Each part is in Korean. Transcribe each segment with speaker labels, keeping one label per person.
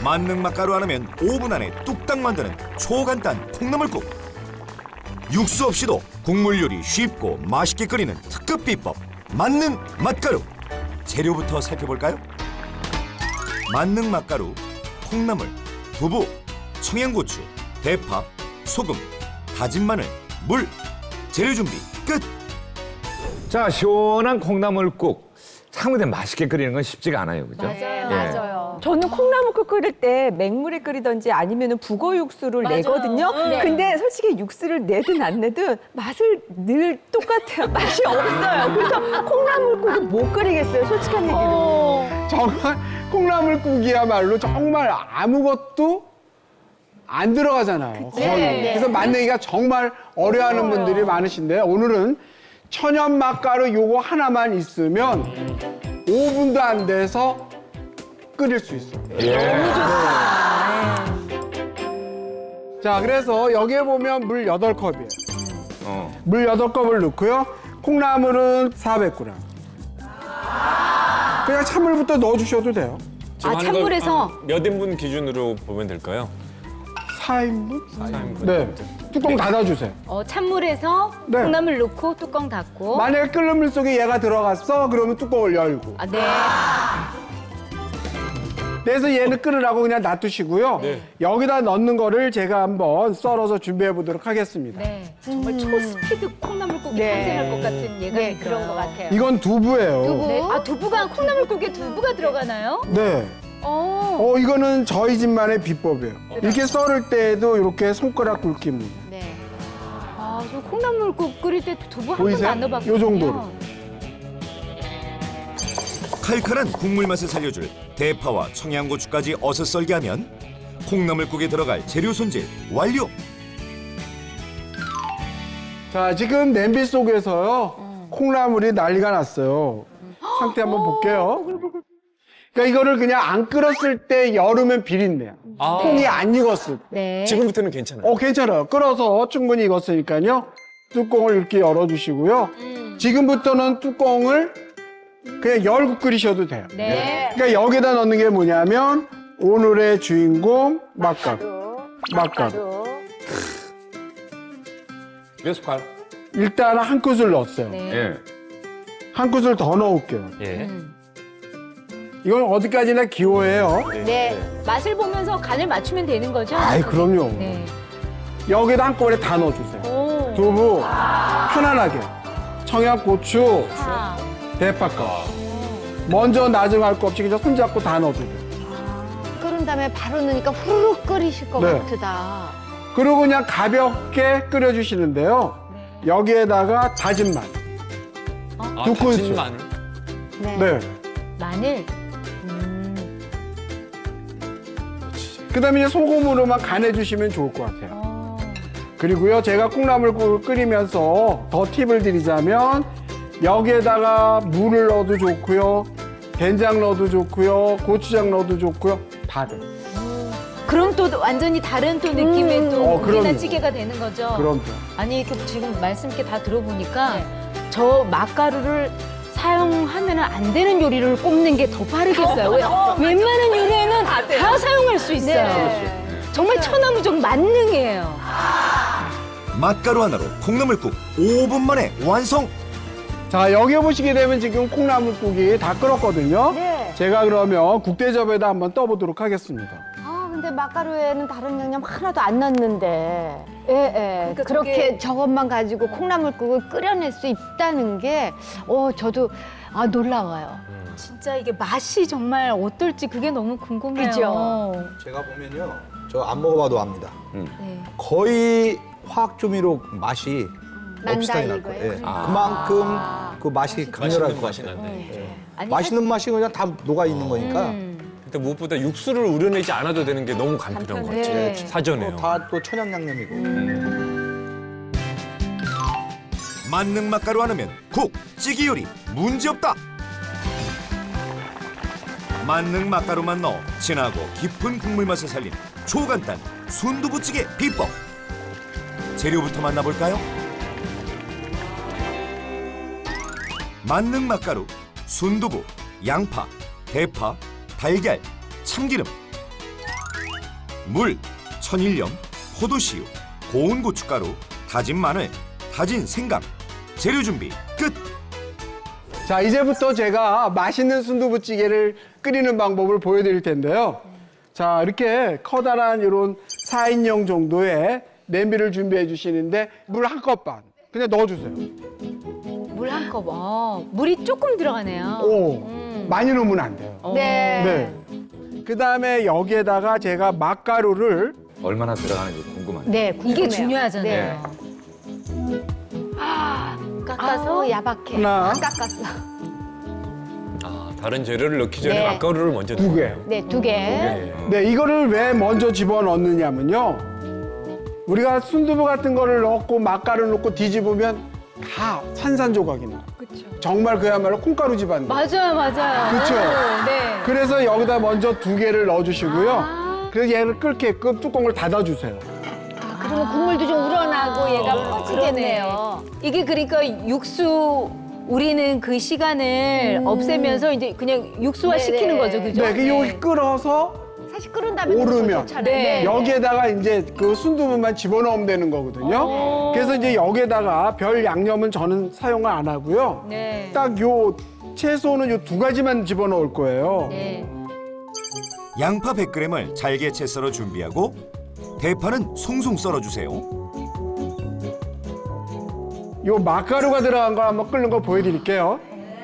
Speaker 1: 만능 맛가루 하나면 5분 안에 뚝딱 만드는 초간단 콩나물국. 육수 없이도 국물 요리 쉽고 맛있게 끓이는 특급 비법 만능 맛가루. 재료부터 살펴볼까요? 만능 맛가루, 콩나물, 두부, 청양고추, 대파, 소금, 다진 마늘, 물. 재료 준비 끝.
Speaker 2: 자, 시원한 콩나물국. 참 근데 맛있게 끓이는 건 쉽지가 않아요, 그죠?
Speaker 3: 맞아요.
Speaker 4: 맞아요.
Speaker 3: 저는 콩나물국 끓일 때 맹물에 끓이든지 아니면 북어 육수를
Speaker 4: 맞아요.
Speaker 3: 내거든요.
Speaker 4: 네.
Speaker 3: 근데 솔직히 육수를 내든 안 내든 맛을 늘 똑같아요. 맛이 없어요. 그래서 콩나물국을 못 끓이겠어요. 솔직한 얘기로.
Speaker 5: 정말 콩나물국이야말로 정말 아무것도 안 들어가잖아요. 거의.
Speaker 4: 네.
Speaker 5: 그래서 만들기가 정말 어려워하는 분들이 많으신데 오늘은 천연 맛가루 요거 하나만 있으면 5분도 안 돼서 끓일 수 있어요. 자, 그래서 여기에 보면 물 8컵이에요. 물 8컵을 넣고요. 콩나물은 400g. 그냥 찬물부터 넣어주셔도 돼요.
Speaker 4: 아, 찬물에서
Speaker 6: 몇 인분 기준으로 보면 될까요?
Speaker 5: 4인분?
Speaker 6: 4인분.
Speaker 5: 네. 뚜껑 닫아주세요.
Speaker 4: 찬물에서
Speaker 5: 네.
Speaker 4: 콩나물 넣고 뚜껑 닫고.
Speaker 5: 만약에 끓는 물 속에 얘가 들어갔어, 그러면 뚜껑을 열고.
Speaker 4: 아, 네.
Speaker 5: 그래서 얘는 끓으라고 그냥 놔두시고요. 여기다 넣는 거를 제가 한번 썰어서 준비해 보도록 하겠습니다.
Speaker 4: 네. 정말 초스피드 콩나물국이
Speaker 3: 네.
Speaker 4: 탄생할 것 같은 예감이
Speaker 3: 네, 그런
Speaker 4: 들어요.
Speaker 3: 것 같아요.
Speaker 5: 이건 두부예요.
Speaker 4: 네. 아, 두부가 콩나물국에 두부가 들어가나요?
Speaker 5: 네. 이거는 저희 집만의 비법이에요. 이렇게 썰을 때도 이렇게 손가락 굵기입니다.
Speaker 4: 네. 아, 저 콩나물국 끓일 때 두부 한 번도
Speaker 5: 보이세요?
Speaker 4: 안 넣어봤거든요.
Speaker 5: 요 정도로.
Speaker 1: 칼칼한 국물 맛을 살려줄 대파와 청양고추까지 어슷 썰게 하면 콩나물국에 들어갈 재료 손질 완료.
Speaker 5: 자, 지금 냄비 속에서요. 콩나물이 난리가 났어요. 상태 한번 볼게요. 그러니까 이거를 그냥 안 끓었을 때 열으면 비린내야.
Speaker 6: 아.
Speaker 5: 콩이 안 익었을 때.
Speaker 4: 네.
Speaker 6: 지금부터는 괜찮아요.
Speaker 5: 괜찮아요. 끓어서 충분히 익었으니까요. 뚜껑을 이렇게 열어주시고요. 지금부터는 뚜껑을 그냥 열고 끓이셔도 돼요.
Speaker 4: 네.
Speaker 5: 그러니까 여기다 넣는 게 뭐냐면 오늘의 주인공 맛가루. 맛가루.
Speaker 2: 몇 숟갈?
Speaker 5: 일단 한 큰술 넣었어요.
Speaker 4: 네.
Speaker 2: 예.
Speaker 5: 한 큰술 더 넣을게요.
Speaker 6: 예.
Speaker 5: 이건 어디까지나 기호예요.
Speaker 4: 네. 맛을 보면서 간을 맞추면 되는 거죠?
Speaker 5: 아이, 그럼요.
Speaker 4: 네.
Speaker 5: 여기다 한꺼번에 다 넣어주세요.
Speaker 4: 오.
Speaker 5: 두부 편안하게. 청양고추,
Speaker 4: 아.
Speaker 5: 대파가루. 먼저 나중 할 거 없이 그냥 손잡고 다 넣어도 돼요.
Speaker 7: 끓은 다음에 바로 넣으니까 후루룩 끓이실 것
Speaker 5: 네.
Speaker 7: 같다.
Speaker 5: 그리고 그냥 가볍게 끓여주시는데요. 여기에다가 다진 마늘.
Speaker 6: 아,
Speaker 5: 두 큰술.
Speaker 6: 다진 마늘.
Speaker 7: 네.
Speaker 5: 네.
Speaker 4: 마늘.
Speaker 5: 그 다음에 이제 소금으로만 간해주시면 좋을 것 같아요. 그리고요, 제가 콩나물국을 끓이면서 더 팁을 드리자면 여기에다가 물을 넣어도 좋고요. 된장 넣어도 좋고요. 고추장 넣어도 좋고요. 다 돼요.
Speaker 4: 그럼 또 완전히 다른 또 느낌의 또
Speaker 5: 그럼요.
Speaker 4: 국이나 찌개가 되는 거죠?
Speaker 5: 그럼
Speaker 4: 아니, 이렇게 지금 말씀 이렇게 다 들어보니까 저 맛가루를 사용하면 안 되는 요리를 꼽는 게 더 빠르겠어요. 웬만한 요리에는 다 사용할 수 있어요. 정말 천하무적 만능이에요.
Speaker 1: 맛가루 하나로 콩나물국 5분 만에 완성.
Speaker 5: 자, 여기 보시게 되면 지금 콩나물국이 다 끓었거든요.
Speaker 7: 네.
Speaker 5: 제가 그러면 국대접에다 한번 떠보도록 하겠습니다.
Speaker 7: 아, 근데 맛가루에는 다른 양념 하나도 안 넣었는데. 예, 예.
Speaker 4: 그러니까
Speaker 7: 그렇게 저것만 가지고 콩나물국을 끓여낼 수 있다는 게, 저도, 놀라워요.
Speaker 4: 진짜 이게 맛이 정말 어떨지 그게 너무 궁금해요.
Speaker 7: 그죠?
Speaker 8: 제가 보면요, 저 안 먹어봐도 압니다.
Speaker 4: 네.
Speaker 8: 거의 화학조미료 맛이
Speaker 7: 난다
Speaker 8: 비슷하게 날
Speaker 7: 이거예요?
Speaker 8: 거예요. 예. 그만큼 그 맛이 강렬할 것
Speaker 6: 맛이
Speaker 8: 같아요.
Speaker 6: 난데.
Speaker 4: 아니,
Speaker 8: 맛있는 맛이 그냥 다 녹아 있는 거니까
Speaker 6: 근데 무엇보다 육수를 우려내지 않아도 되는 게 너무 간편한 것 같아요.
Speaker 4: 네.
Speaker 6: 사전에요.
Speaker 8: 다 또 천연 양념이고.
Speaker 1: 만능 맛가루 하나면 국, 찌개 요리 문제없다. 만능 맛가루만 넣어 진하고 깊은 국물 맛을 살린 초간단 순두부찌개 비법. 재료부터 만나볼까요? 만능 맛가루, 순두부, 양파, 대파, 달걀, 참기름. 물, 천일염, 포도씨유, 고운 고춧가루, 다진 마늘, 다진 생강. 재료 준비 끝.
Speaker 5: 자, 이제부터 제가 맛있는 순두부찌개를 끓이는 방법을 보여드릴 텐데요. 자, 이렇게 커다란 이런 4인용 정도의 냄비를 준비해 주시는데 물 1컵 반 그냥 넣어주세요.
Speaker 4: 물 한 컵. 물이 조금 들어가네요.
Speaker 5: 오, 많이 넣으면 안 돼요.
Speaker 7: 네.
Speaker 5: 네. 그 다음에 여기에다가 제가 맛가루를
Speaker 2: 얼마나 들어가는지 궁금한데.
Speaker 7: 네,
Speaker 4: 이게
Speaker 7: 궁금해요.
Speaker 4: 중요하잖아요. 깎아서
Speaker 7: 아우, 야박해.
Speaker 5: 하나.
Speaker 7: 깎았어.
Speaker 6: 아, 다른 재료를 넣기 전에
Speaker 7: 네.
Speaker 6: 맛가루를 먼저
Speaker 5: 두 개.
Speaker 6: 넣어요.
Speaker 7: 네, 2개.
Speaker 5: 네, 이거를 왜 먼저 집어넣느냐면요. 우리가 순두부 같은 거를 넣고 맛가루 넣고 뒤집으면 다 산산조각이 나요. 정말 그야말로 콩가루 집안.
Speaker 4: 맞아요, 맞아요.
Speaker 5: 그쵸?
Speaker 4: 오, 네.
Speaker 5: 그래서 여기다 먼저 2개를 넣어주시고요. 그래서 얘를 끓게끔 뚜껑을 닫아주세요.
Speaker 7: 그러면 국물도 좀 우러나고 얘가 퍼지겠네요.
Speaker 4: 이게 그러니까 육수 우리는 그 시간을 없애면서 이제 그냥 육수화
Speaker 7: 네네.
Speaker 4: 시키는 거죠, 그죠?
Speaker 5: 네, 그 여기 끓어서
Speaker 7: 사실 끓은 다음에
Speaker 5: 오르면.
Speaker 7: 좋잖아요.
Speaker 4: 네.
Speaker 5: 여기에다가 이제 그 순두부만 집어넣으면 되는 거거든요. 그래서 이제 여기에다가 별 양념은 저는 사용을 안 하고요.
Speaker 4: 네.
Speaker 5: 딱 요 채소는 요 2가지만 집어넣을 거예요.
Speaker 4: 네.
Speaker 1: 양파 100g을 잘게 채 썰어 준비하고 대파는 송송 썰어주세요.
Speaker 5: 요 맛가루가 들어간 걸 한번 끓는 거 보여드릴게요.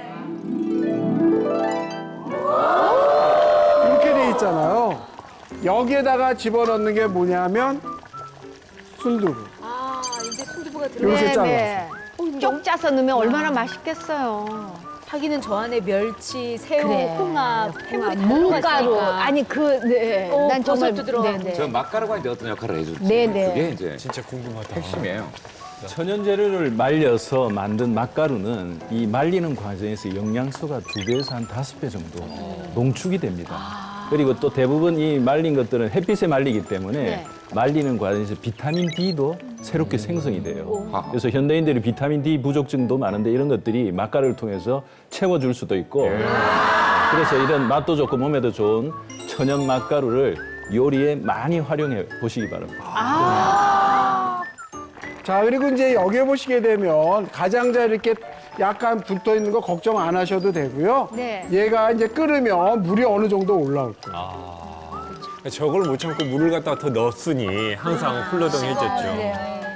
Speaker 5: 이렇게 돼 있잖아요. 여기에다가 집어넣는 게 뭐냐면 순두부.
Speaker 4: 아, 이제 순두부가 들어.
Speaker 5: 이렇게 잘라서.
Speaker 7: 네. 쪽 짜서 넣으면 얼마나 맛있겠어요.
Speaker 4: 하기는 저 안에 멸치, 새우,
Speaker 7: 그래.
Speaker 4: 홍합, 해물이 다
Speaker 7: 무가루.
Speaker 4: 들어갔으니까.
Speaker 7: 아니 네.
Speaker 4: 난
Speaker 7: 정말
Speaker 4: 버섯도 들어가고.
Speaker 7: 네,
Speaker 2: 저
Speaker 7: 네.
Speaker 2: 맛가루가 이제 어떤 역할을 해줄지
Speaker 7: 네네.
Speaker 2: 그게 이제
Speaker 6: 진짜 궁금하다.
Speaker 2: 핵심이에요.
Speaker 9: 천연 재료를 말려서 만든 맛가루는 이 말리는 과정에서 영양소가 2배에서 한 5배 정도 농축이 됩니다. 그리고 또 대부분 이 말린 것들은 햇빛에 말리기 때문에
Speaker 7: 네.
Speaker 9: 말리는 과정에서 비타민 D도 새롭게 생성이 돼요.
Speaker 2: 아하.
Speaker 9: 그래서 현대인들이 비타민 D 부족증도 많은데 이런 것들이 맛가루를 통해서 채워줄 수도 있고 그래서 이런 맛도 좋고 몸에도 좋은 천연 맛가루를 요리에 많이 활용해 보시기 바랍니다.
Speaker 5: 자, 그리고 이제 여기에 보시게 되면 가장자리 이렇게 약간 붙어 있는 거 걱정 안 하셔도 되고요.
Speaker 7: 네.
Speaker 5: 얘가 이제 끓으면 물이 어느 정도 올라올 거예요.
Speaker 6: 저걸 못 참고 물을 갖다가 더 넣었으니 항상 훌러덩해졌죠.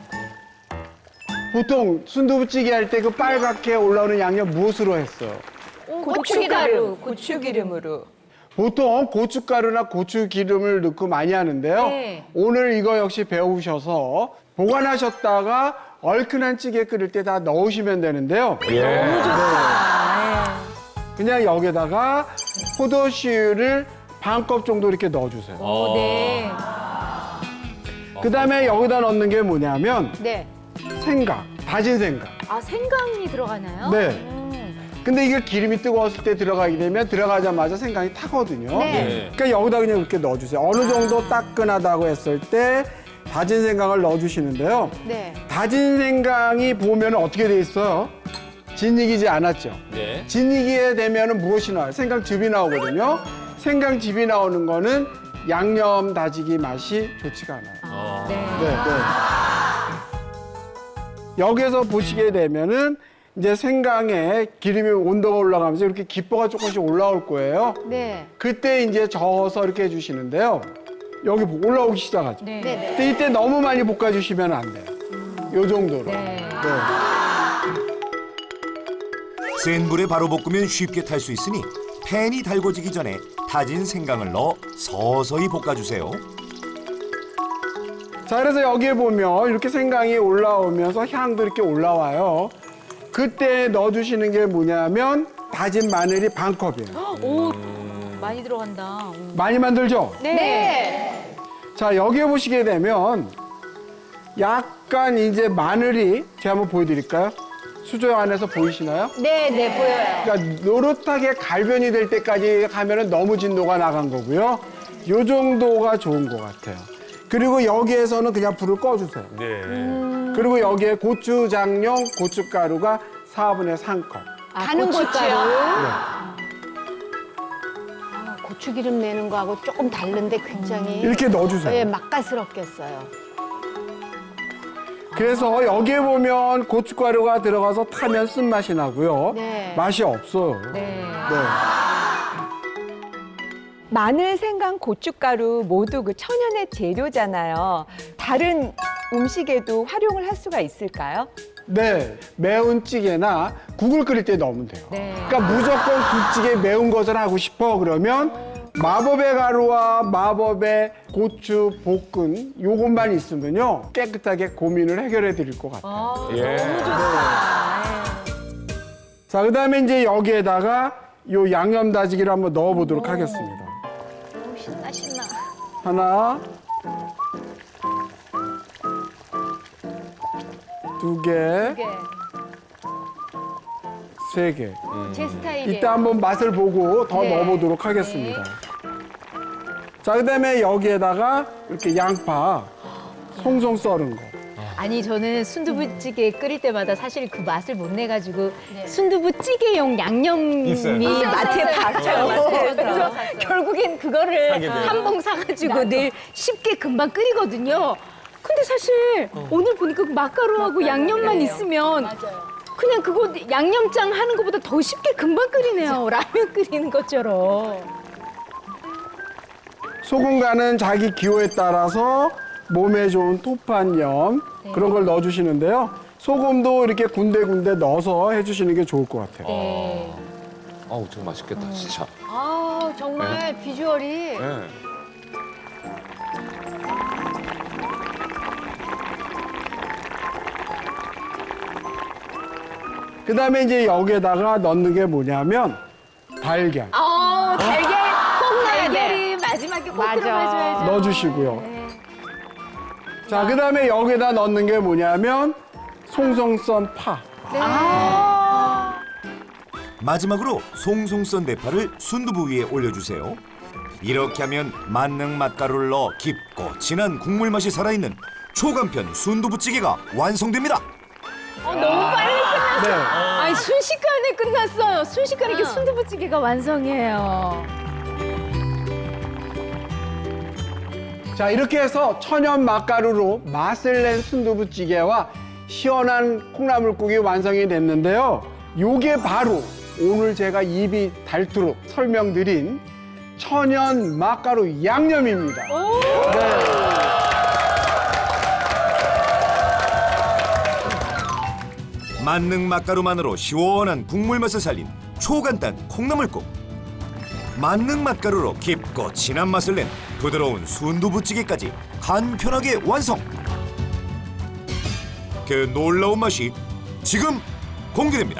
Speaker 5: 보통 순두부찌개 할 때 그 빨갛게 올라오는 양념 무엇으로 했어요?
Speaker 4: 고춧가루,
Speaker 3: 고추기름으로.
Speaker 5: 보통 고춧가루나 고추기름을 넣고 많이 하는데요.
Speaker 4: 네.
Speaker 5: 오늘 이거 역시 배우셔서 보관하셨다가 얼큰한 찌개 끓일 때 다 넣으시면 되는데요.
Speaker 4: 너무 좋다.
Speaker 5: 그냥 여기다가 포도씨유를 반컵 정도 이렇게 넣어주세요.
Speaker 4: 오, 네.
Speaker 5: 그 다음에 여기다 넣는 게 뭐냐면
Speaker 7: 네.
Speaker 5: 생강, 다진 생강.
Speaker 4: 아, 생강이 들어가나요?
Speaker 5: 네. 근데 이게 기름이 뜨거웠을 때 들어가게 되면 들어가자마자 생강이 타거든요.
Speaker 7: 네.
Speaker 5: 그러니까 여기다 그냥 이렇게 넣어주세요. 어느 정도 따끈하다고 했을 때 다진 생강을 넣어주시는데요.
Speaker 7: 네.
Speaker 5: 다진 생강이 보면 어떻게 돼 있어요? 진익이지 않았죠?
Speaker 6: 네.
Speaker 5: 진익이 되면 무엇이 나와요? 생강즙이 나오거든요. 생강즙이 나오는 거는 양념 다지기 맛이 좋지가 않아요.
Speaker 4: 네.
Speaker 5: 네, 네. 여기서 보시게 되면은 이제 생강에 기름이 온도가 올라가면서 이렇게 기포가 조금씩 올라올 거예요.
Speaker 7: 네.
Speaker 5: 그때 이제 저어서 이렇게 해주시는데요. 여기 올라오기 시작하죠.
Speaker 4: 네.
Speaker 7: 네. 네.
Speaker 5: 근데 이때 너무 많이 볶아주시면 안 돼요. 요 정도로.
Speaker 4: 네.
Speaker 1: 센 불에 바로 볶으면 쉽게 탈 수 있으니 팬이 달궈지기 전에 다진 생강을 넣어 서서히 볶아주세요.
Speaker 5: 자, 그래서 여기에 보면 이렇게 생강이 올라오면서 향도 이렇게 올라와요. 그때 넣어주시는 게 뭐냐면 다진 마늘이 반컵이에요.
Speaker 4: 오, 많이 들어간다.
Speaker 5: 많이 만들죠?
Speaker 7: 네.
Speaker 5: 자, 여기에 보시게 되면 약간 이제 마늘이 제가 한번 보여드릴까요? 수저 안에서 보이시나요?
Speaker 7: 네, 네, 보여요.
Speaker 5: 그러니까 노릇하게 갈변이 될 때까지 가면은 너무 진도가 나간 거고요. 요 정도가 좋은 것 같아요. 그리고 여기에서는 그냥 불을 꺼주세요.
Speaker 6: 네.
Speaker 5: 그리고 여기에 고추장용 고춧가루가 4분의 3컵.
Speaker 7: 가는 고추요. 고추기름 내는 거하고 조금 다른데 굉장히
Speaker 5: 이렇게 넣어주세요.
Speaker 7: 예, 맛깔스럽겠어요.
Speaker 5: 그래서 여기에 보면 고춧가루가 들어가서 타면 쓴맛이 나고요.
Speaker 7: 네.
Speaker 5: 맛이 없어요.
Speaker 4: 네.
Speaker 3: 마늘, 생강, 고춧가루 모두 그 천연의 재료잖아요. 다른 음식에도 활용을 할 수가 있을까요?
Speaker 5: 네, 매운 찌개나 국을 끓일 때 넣으면 돼요.
Speaker 4: 네.
Speaker 5: 그러니까 무조건 국찌개 매운 것을 하고 싶어 그러면 마법의 가루와 마법의 고추 볶은 요것만 있으면요 깨끗하게 고민을 해결해 드릴 것 같아요.
Speaker 2: 예.
Speaker 5: 자, 그다음에 이제 여기에다가 요 양념 다지기를 한번 넣어보도록 하겠습니다.
Speaker 7: 신나 신나.
Speaker 5: 하나, 두 개,
Speaker 7: 이게
Speaker 5: 세 개.
Speaker 7: 제 스타일이에요.
Speaker 5: 이따 한번 맛을 보고 더
Speaker 7: 네.
Speaker 5: 넣어보도록 하겠습니다. 자, 그다음에 여기에다가 이렇게 양파 송송 썰은 거.
Speaker 4: 아니 저는 순두부찌개 끓일 때마다 사실 그 맛을 못 내가지고 순두부찌개용 양념이
Speaker 6: 있어요.
Speaker 4: 마트에 봤어요. 그래서 결국엔 그거를
Speaker 6: 사게 돼요.
Speaker 4: 한 봉 사가지고 내일 쉽게 금방 끓이거든요. 근데 사실 오늘 보니까 그 맛가루하고 양념만 있으면 그냥 그거 양념장 하는 것보다 더 쉽게 금방 끓이네요. 라면 끓이는 것처럼.
Speaker 5: 소금 간은 자기 기호에 따라서 몸에 좋은 토판염 그런 걸 넣어주시는데요. 소금도 이렇게 군데군데 넣어서 해주시는 게 좋을 것 같아요.
Speaker 4: 네.
Speaker 2: 어우, 정말 맛있겠다, 진짜.
Speaker 7: 아 정말 비주얼이
Speaker 2: 예.
Speaker 5: 그 다음에 이제 여기에다가 넣는 게 뭐냐면 달걀
Speaker 4: 달걀 꼭 넣어야 돼. 달걀이 마지막에 꼭
Speaker 7: 맞아.
Speaker 4: 들어가줘야죠.
Speaker 5: 넣어주시고요. 자, 그 다음에 여기에다 넣는 게 뭐냐면 송송 썬 파.
Speaker 1: 마지막으로 송송 썬 대파를 순두부 위에 올려주세요. 이렇게 하면 만능 맛가루를 넣어 깊고 진한 국물 맛이 살아있는 초간편 순두부찌개가 완성됩니다.
Speaker 4: 너무 빨리 끝났어.
Speaker 5: 네.
Speaker 4: 아니 순식간에 끝났어요. 순식간에 이렇게 순두부찌개가 완성이에요.
Speaker 5: 자, 이렇게 해서 천연 맛가루로 맛을 낸 순두부찌개와 시원한 콩나물국이 완성이 됐는데요. 요게 바로 오늘 제가 입이 닳도록 설명드린 천연 맛가루 양념입니다.
Speaker 1: 만능 맛가루만으로 시원한 국물 맛을 살린 초간단 콩나물국. 만능 맛가루로 깊고 진한 맛을 낸 부드러운 순두부찌개까지 간편하게 완성. 그 놀라운 맛이 지금 공개됩니다.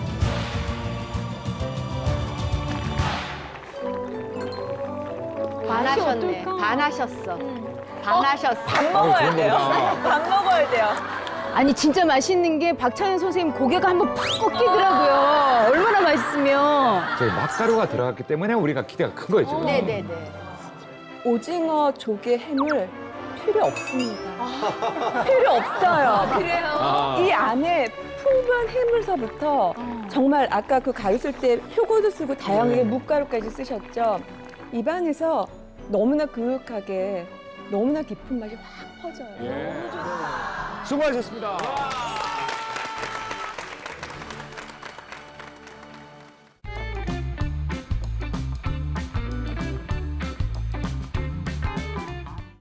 Speaker 7: 반하셨네. 반하셨어. 반하셨어.
Speaker 3: 밥 먹어야 돼요. 밥 먹어야 돼요.
Speaker 4: 아니 진짜 맛있는 게 박찬현 선생님 고개가 한번 팍 꺾이더라고요. 얼마나 맛있으면.
Speaker 2: 저 맛가루가 들어갔기 때문에 우리가 기대가 큰 거예요, 지금.
Speaker 7: 네네네.
Speaker 3: 오징어, 조개, 해물 필요 없습니다. 필요 없어요. 그래요? 이 안에 풍부한 해물서부터 정말 아까 그 가루 쓸 때 표고도 쓰고 다양하게 묵가루까지 쓰셨죠. 입안에서 너무나 그윽하게 너무나 깊은 맛이 확 퍼져요.
Speaker 2: 수고하셨습니다.